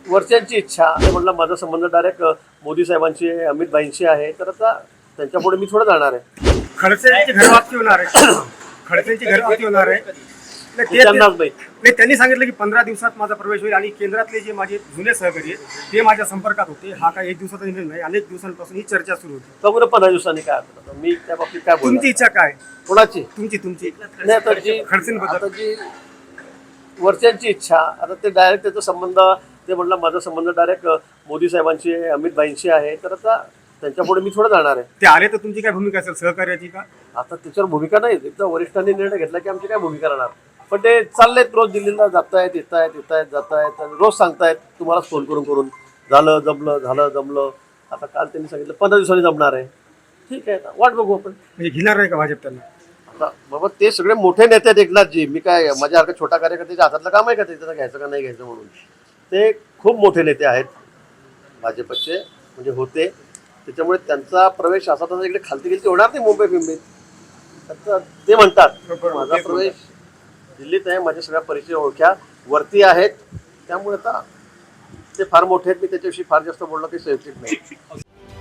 वरच्यांची इच्छा ते म्हटलं माझा संबंध डायरेक्ट मोदी साहेबांशी अमित भाईंशी आहे, तर आता त्यांच्यापुढे मी थोडं जाणार आहे. खडसेंची घरवापसी होणार आहे. खडसेंची घरवापसी होणार आहे. त्यांनाच माहित. नाही, त्यांनी सांगितलं की 15 दिवसात माझा प्रवेश होईल आणि केंद्रातले जे माझे जुने सहकारी आहेत ते माझ्या संपर्कात होते. हा काय एक दिवसाचा निर्णय नाही, अनेक दिवसांपासून ही चर्चा सुरू होती. बघू ना 15 दिवसांनी काय होतं. मी त्या बाबतीत काय बोलणार. तुमची इच्छा काय? कोणाची? तुमची नाही, आता जी खडसेंबद्दल आता जी वरच्यांची इच्छा, आता ते डायरेक्ट त्याचा संबंध ते म्हटलं माझा संबंध डायरेक्ट मोदी साहेबांशी अमित भाईंशी आहे, तर आता त्यांच्यापुढे मी थोडं जाणार आहे. ते आले तर तुमची काय भूमिका असेल सहकार्याची का? आता त्याच्यावर भूमिका नाही. एकदा वरिष्ठांनी निर्णय घेतला की आमची काय भूमिका राहणार. पण ते चाललेत रोज दिल्लीला जातायत जातायत रोज सांगतायत तुम्हाला फोन करून झालं जमलं. आता काल त्यांनी सांगितलं 15 दिवसांनी जमणार आहे. ठीक आहे, वाट बघू आपण. म्हणजे घेणार नाही का भाजप त्यांना? आता बाबा ते सगळे मोठे नेते आहेत एकनाथजी. मी काय माझ्यासारखा छोटा कार्यकर्त्याच्या हातातलं काम आहे का त्याचं घ्यायचं का नाही घ्यायचं म्हणून. ते खूप मोठे नेते आहेत भाजपचे, म्हणजे होते. त्याच्यामुळे त्यांचा प्रवेश असा तसा इकडे खालती गेलती होणार नाही मुंबई फिंबईत. आता ते म्हणतात माझा प्रवेश दिल्लीत आहे, माझ्या सगळ्या परिचय ओळख्या वरती आहेत, त्यामुळे आता ते फार मोठे आहेत. मी त्याच्याविषयी फार जास्त बोलणं काही सुरक्षित नाही.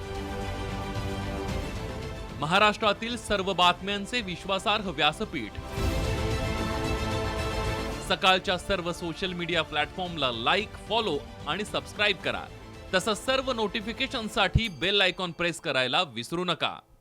महाराष्ट्रातील सर्व बातम्यांचे विश्वासार्ह व्यासपीठ सकाळच्या सर्व सोशल मीडिया प्लॅटफॉर्मला लाईक, फॉलो आणि सबस्क्राईब करा. तसंच सर्व नोटिफिकेशनसाठी बेल आयकॉन प्रेस करायला विसरू नका.